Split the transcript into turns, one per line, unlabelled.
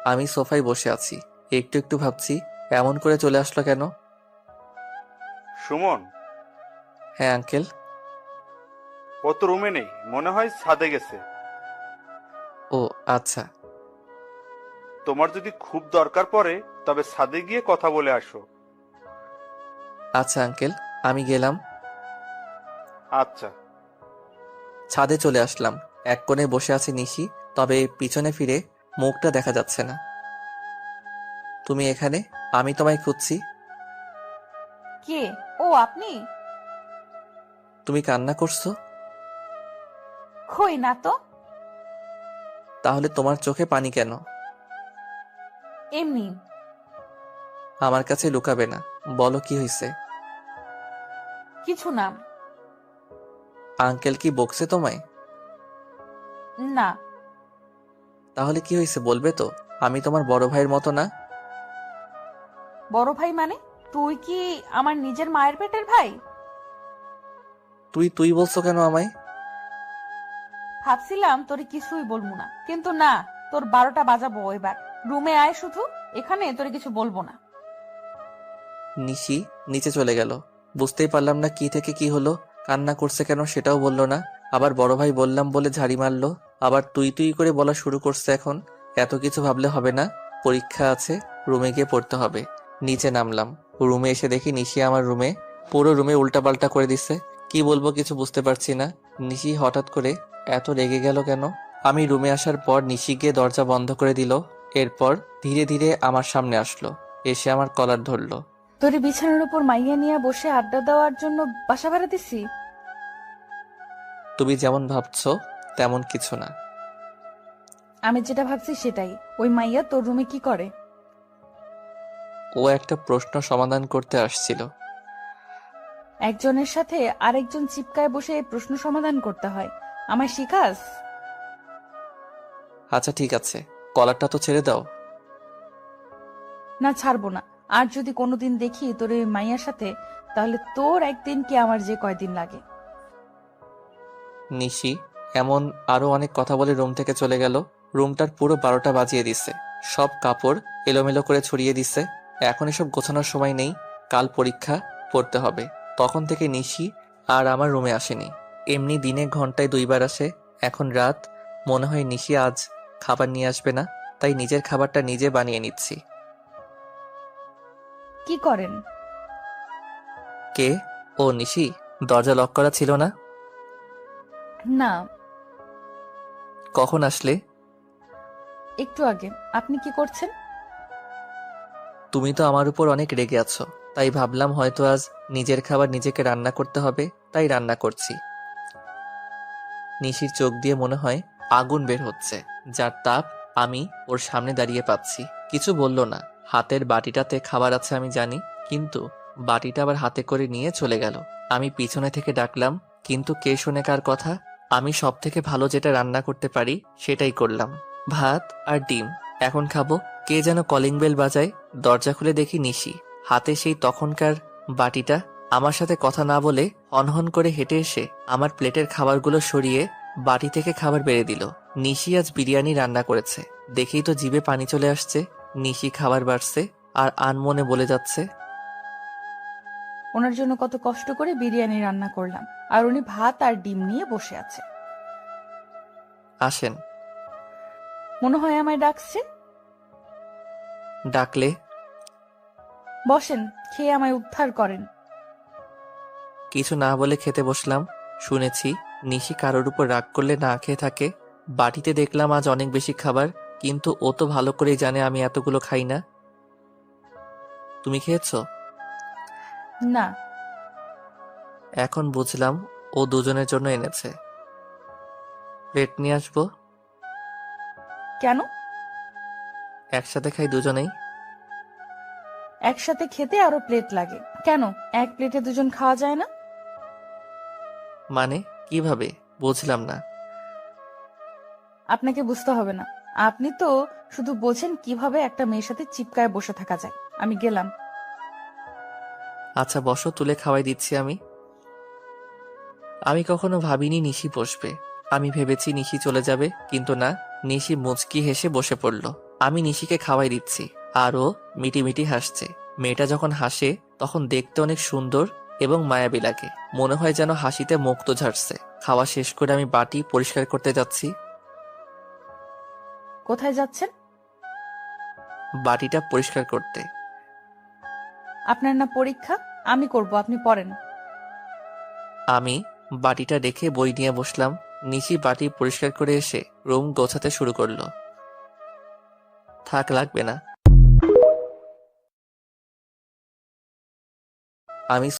আমি সোফায় বসে আছি, একটু একটু ভাবছি এমন করে চলে আসলো কেন।
সুমন,
হ্যাঁ আঙ্কেল।
ও তো রুমে নেই, মনে হয় ছাদে গেছে।
ও আচ্ছা।
তোমার যদি খুব দরকার পড়ে তবে ছাদে গিয়ে কথা বলে আসো।
আচ্ছা আঙ্কেল, আমি গেলাম।
আচ্ছা।
ছাদে চলে আসলাম। এক কোণে বসে আছে নিশি, তবে পিছনে ফিরে মুখটা দেখা যাচ্ছে না। তুমি এখানে? আমি তোমায় খুঁজছি।
কে? ও আপনি?
তুমি কান্না করছো?
কই না তো।
তাহলে তোমার চোখে পানি কেন?
এমনি।
আমার কাছে লুকাবে না, বলো কি হয়েছে।
কিছু না।
আঙ্কেল কি বকছে তোমায়?
না।
তাহলে কি হয়েছে বলবে তো? আমি তোমার বড় ভাইয়ের মতো না।
বড় ভাই মানে? তুই কি আমার নিজের মায়ের পেটের ভাই?
তুই তুই বলছো কেন আমায়?
ভাবছিলাম তোরে কিছুই বলবো না, কিন্তু না, তোর 12টা বাজাবো এবার। রুমে আয় শুধু, এখানে তোরে কিছু বলবো না।
নিশি নিচে চলে গেল। বুঝতেই পারলাম না কি থেকে কি হলো। কান্না করছে কেন সেটাও বললো না। আবার বড় ভাই বললাম বলে ঝাড়ি মারলো। আবার তুই তুই করে বলা শুরু করছে এখন। এত কিছু ভাবলে হবে না, পরীক্ষা আছে, রুমে গিয়ে পড়তে হবে। নিচে নামলাম। রুমে এসে দেখি নিশি আমার রুমে, পুরো রুমে উল্টাপাল্টা করে দিছে। কি বলবো কিছু বুঝতে পারছি না। নিশি হঠাৎ করে এত রেগে গেল কেন? আমি রুমে আসার পর নিশি গিয়ে দরজা বন্ধ করে দিল। এরপর ধীরে ধীরে আমার সামনে আসলো, এসে আমার কলার ধরলো।
তোরে বিছানার উপর মাইয়া নিয়ে বসে আড্ডা দেওয়ার জন্য বাসা ভাড়া দিছি?
তুমি যেমন ভাবছো তেমন কিছু না।
আমি যেটা ভাবছি সেটাই। ওই মাইয়া তোর রুমে কি করে?
ও একটা প্রশ্ন সমাধান করতে আসছিল।
একজনের সাথে আরেকজন চিপকায় বসে এই প্রশ্ন সমাধান করতে হয়? আমায় শিখাস?
আচ্ছা ঠিক আছে, কলারটা তো ছেড়ে দাও।
না, ছাড়বো না। আর যদি কোনোদিন দেখি তোর এই মাইয়ার সাথে, তাহলে তোর একদিন কি আমার যে কয়দিন লাগে।
নিশি এমন আরো অনেক কথা বলে রুম থেকে চলে গেল। রুমটার পুরো 12টা বাজিয়ে দিছে। সব কাপড় এলোমেলো করে ছড়িয়ে দিছে। এখন এসব গোছানোর সময় নেই, কাল পরীক্ষা, পড়তে হবে। তখন থেকে নিশি আর আমার রুমে আসেনি। এমনি দিনে ঘন্টায় 2বার আসে। এখন রাত, মনে হয় নিশি আজ খাবার নিয়ে আসবে না, তাই নিজের খাবারটা নিজে বানিয়ে নিচ্ছি।
কি করেন?
কে? ও নিশি, দরজা লক করা ছিল না?
না।
কখন আসলে?
একটু আগে। আপনি কি করছেন?
তুমি তো আমার উপর অনেক রেগে আছো, তাই ভাবলাম হয়তো আজ নিজের খাবার নিজেকে রান্না করতে হবে, তাই রান্না করছি। নিশির চোখ দিয়ে মনে হয় আগুন বের হচ্ছে, যার তাপ আমি ওর সামনে দাঁড়িয়ে পাচ্ছি। কিছু বলল না। হাতের বাটিটাতে খাবার আছে আমি জানি, কিন্তু বাটিটা আবার হাতে করে নিয়ে চলে গেল। আমি পিছনে থেকে ডাকলাম, কিন্তু কে শোনে কার কথা। আমি সব থেকে ভালো যেটা রান্না করতে পারি সেটাই করলাম, ভাত আর ডিম। এখন খাবো। কে যেন কলিং বেল বাজায়। দরজা খুলে দেখি নিশি, হাতে সেই তখনকার বাটিটা। আমার সাথে কথা না বলে হনহন করে হেঁটে এসে আমার প্লেটের খাবারগুলো সরিয়ে বাটি থেকে খাবার বেড়ে দিল। নিশি আজ বিরিয়ানি রান্না করেছে, দেখেই তো জিভে পানি চলে আসছে। নিশি খাবার বাড়ছে আর আনমনে বলে যাচ্ছে,
ওনার জন্য কত কষ্ট করে বিরিয়ানি রান্না করলাম, আর উনি ভাত আর ডিম নিয়ে বসে আছে।
আসেন।
মনে হয় আমায় ডাকছে।
ডাকলে?
বসেন, খেয়ে আমায় উদ্ধার করেন।
কিছু না বলে খেতে বসলাম। শুনেছি নিশি কারোর উপর রাগ করলে না খেয়ে থাকে। বাটিতে দেখলাম আজ অনেক বেশি খাবার, কিন্তু ও তো ভালো করেই জানে আমি এতগুলো খাই না। তুমি খেয়েছো?
না।
এখন বুঝলাম ও দুজনের জন্য এনেছে। প্লেট নিয়ে আসবো?
কেন?
একসাথে খাই দুজনেই।
একসাথে খেতে আরো প্লেট লাগে কেন? এক প্লেটে দুজন খাওয়া যায় না?
মানে কিভাবে? বুঝলাম না।
আপনাকে বুঝতে হবে না। আপনি তো শুধু বোঝেন কিভাবে একটা মেয়ের সাথে চিপকায় বসে থাকা যায়। আমি গেলাম।
আচ্ছা বসো, তুলে খাওয়াই দিচ্ছি আমি। আমি কখনো ভাবিনি নিশি বসবে। আমি ভেবেছি নিশি চলে যাবে, কিন্তু না, নিশি মুচকি হেসে বসে পড়ল। আমি নিশিকে খাওয়াই দিচ্ছি আর ও মিটিমিটি হাসছে। মেয়েটা যখন হাসে তখন দেখতে অনেক সুন্দর এবং মায়াবী লাগে। মনে হয় যেন হাসিতে মুক্ত ঝাড়ছে। খাওয়া শেষ করে আমি বাটি পরিষ্কার করতে যাচ্ছি।
কোথায় যাচ্ছেন?
বাটিটা পরিষ্কার করতে।
আপনার না পরীক্ষা? আমি করব, আপনি পড়েন।
আমি বাটিটা রেখে বই নিয়ে বসলাম। নিশি বাটি পরিষ্কার করে এসে রুম গোছাতে শুরু করলো। থাক, লাগবে না। আমি